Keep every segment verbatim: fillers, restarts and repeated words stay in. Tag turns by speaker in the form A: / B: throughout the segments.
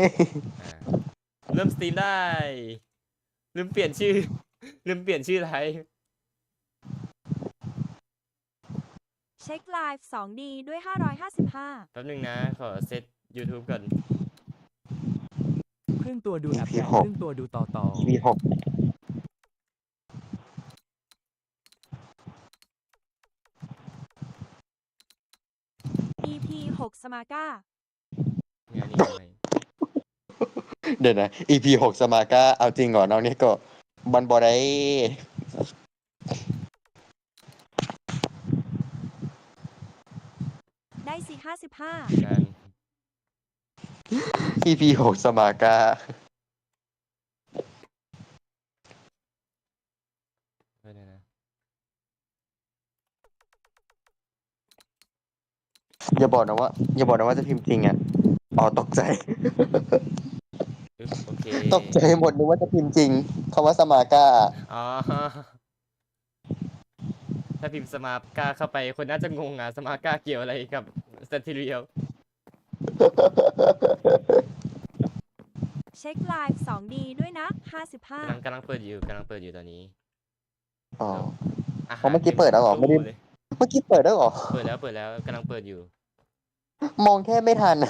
A: อ่าเริ่มสตรีมได้ลืมเปลี่ยนชื่อลืมเปลี่ยนชื่อไลฟ์
B: เช็คไลฟ์ สองดี ด้วย ห้าร้อยห้าสิบห้า
A: แป๊บนึงนะ ขอเซต YouTube ก่อน
C: ครึ่งตัวดูแอป
D: อี พี
C: ใหญ่
D: หก
C: ครึ่งตัวดูต่อต่อ
D: อี พี หก
B: อี พี หก สมาก้า
A: งานนี้ทำไม
D: เดี๋ยวนะ อี พี หก สมาก้าเอาจริงเหรอน้องนี่ก็บันบอได้
B: ได้สี่ห้าสิบห้า
A: กัน
D: อี พี หก สมาก้า
A: ไม่ได้นะ
D: อย่าบอกนะว่า อย่าบอกนะว่าจะพิมพ์จริงอ่ะอ๋อตกใจ
A: อึ๊บโอเค
D: ตกใจหมดนึกว่าจะพิมพ์จริงคำว่าสมาก้า
A: อ๋อ ถ้าพิมพ์สมาร์ก้าเข้าไปคนน่าจะงงอ่ะสมาร์ก้าเกี่ยวอะไรกับสเตเรียล
B: เช็คไลฟ์ สองดี ด้วยนะ ห้าสิบห้า
A: กำลังกำลังเปิดอยู่กำลังเปิดอยู่ตอนนี้
D: อ๋อ
A: อาหา
D: อ๋อเมื่อกี้เปิดแล้วเหรอไม่ได้
A: ตู้เลย
D: เมื่อกี้เปิดได้วเหรอ
A: เปิดแล้วเปิดแล้วกำลังเปิดอยู่
D: มองแค่ไม่ทัน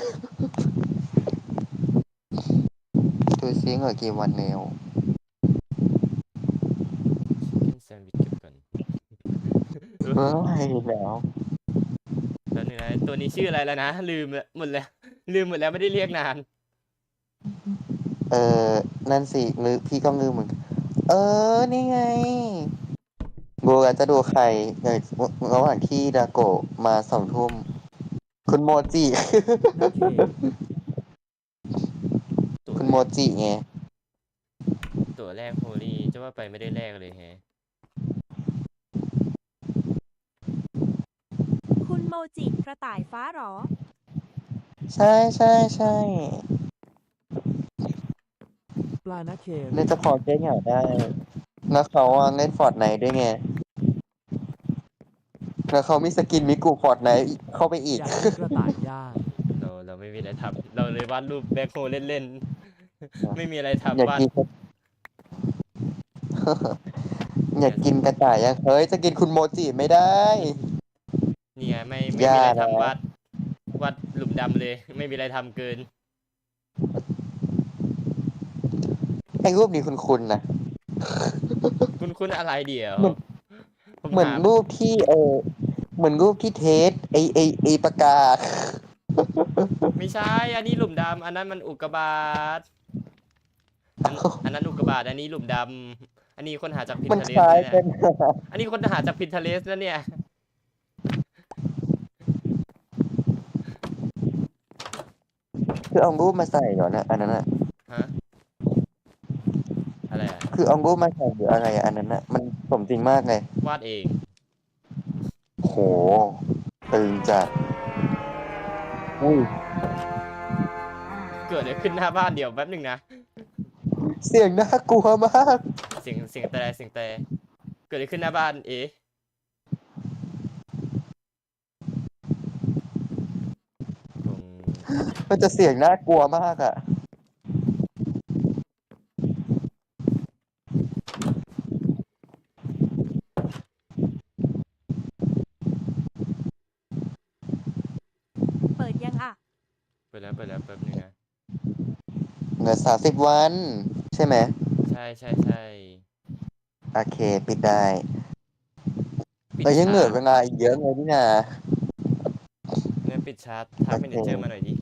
D: ดูซิเหงื่อกี่วันแล้ว
A: ชิคเก้นแซนด์วิชเก็บก่อน
D: เฮ้ยแล้ว
A: แล้วนึงนะตัวนี้ชื่ออะไรแล้วนะ ลืมละหมดแล้ว ลืมหมดแล้วไม่ได้เรียกนาน
D: เออนั่นสิลือพี่ก็ลืมเหมือนกันเออ นี่ไงบัวจะดูใครเออระหว่างที่ดาโกะมาสองทุ่ม คุณโมจิ
C: นักเค
A: ตัว
D: คุณโมจิไง
A: ตัวแรกโฮลี่จะว่าไปไม่ได้แรกเลยแฮะ
B: คุณโมจิกระต่ายฟ้าหรอ
D: ใช่ใช่ใช่
C: ปลานักเค
D: เล่นจะพอแก้เหงาได้ แล้วเขาอะเล่นฟอร์ดไนท์ด้วยไง แล้วเขามีสกินมิกูฟอร์ดไนท์เข้าไปอีก
C: อยากกินกระต่ายย่าง
A: เราเราไม่มีอะไรทำเราเลยวาดรูปแบ็คโฮเล่นๆ ไม่มีอะไร
D: อยาก
A: ทำวาด
D: กิน อยากกินกระต่ายยังเฮ้ยจะกินคุณโมจิไม่ได้
A: นี่ไงไม่ไม่
D: อย่า
A: มีอะไร
D: นะ
A: ทำวาดวาดหลุมดำเลย ไม่มีอะไรทำเกิน
D: ไอ้รูปนี้คุณคุณนะ
A: คุณคุณอะไรเดี๋ยว
D: เหมือน
A: ผม
D: เหมือน
A: ถาม
D: รูปที่เออเหมือนรูปที่เทสไอไอไอปากกา
A: ไม่ใช่ อันนี้หลุมดำอันนั้นมันอุกกาบาตอันอันนั้นอุกกาบาตอันนี้หลุมดำอันนี้คนหาจากพิน
D: มัน
A: เท
D: ค
A: เลส
D: ล้าย
A: เนี่
D: กั
A: ย
D: น
A: อันนี้คนหาจากพินเทเลสแล้วเนี่ย
D: คือเอารูปมาใส่เหรอนะอันนั้นอะ
A: ฮะ อะไรอะ
D: คือเอารูปมาใส่หรืออะไรอะอันนั้นอะมันสมจริงมากเลยว
A: าดเอง
D: โหตึงจัดอุ้ย
A: เกิดอะไรขึ้นหน้าบ้านเดี๋ยวแป๊บหนึ่งนะ
D: เสียงน่ากลัวมาก
A: เสียงเสียงแต่เสียงแต่เกิดอะไรขึ้นหน้าบ้านเอ๊ะคง
D: มันจะเสียงน่ากลัวมากอะ
B: เปิดยังอ่ะ
A: เปิดแล้วเปิดแล้วแป๊บหนึงนะ
D: เหลือสามสิบวัน ใช่ไหม
A: ใช่ใช่ใช่
D: โอเค ปิดได้
A: ปิด
D: แต่ยังเหลือ
A: ชา
D: เว
A: ร์ต
D: ลาอีกเยอะเลยนี่นา
A: เนี่ยปิดชาร์ตทัก
D: โอเค
A: เมเนเจอร์มาหน่อยดิ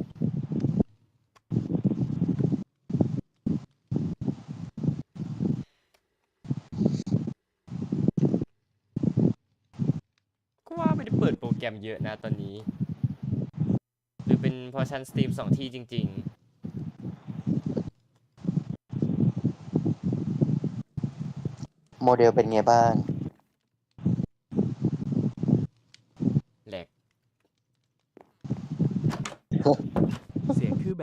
A: ก็ว่าไม่ได้เปิดโปรแกรมเยอะนะตอนนี้ หรือเป็นเพอชันสตรีมสองที่จริง
D: โมเดลเป็นไงบ้าง
A: ๆ แหลก
C: เสียงคือแบบ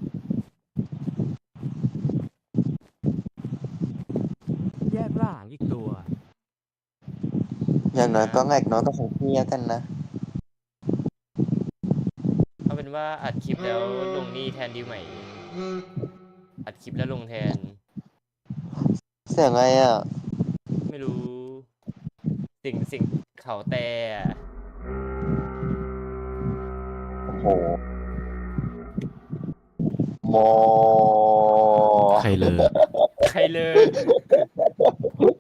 C: แยกร่างอีกตัว
D: อย่างน้อยก็แงกน้อยก็คงเที่ยกันนะ
A: เอาเป็นว่าอัดคลิปแล้วลงนี่แทนดีไหม อัดคลิปแล้วลงแทน
D: เสียงไงอ่ะ
A: ไม่รู้ สิ่งสิ่งเขาแต่อะ
D: โอ้โหโม
C: ใครเลย
A: ใครเลย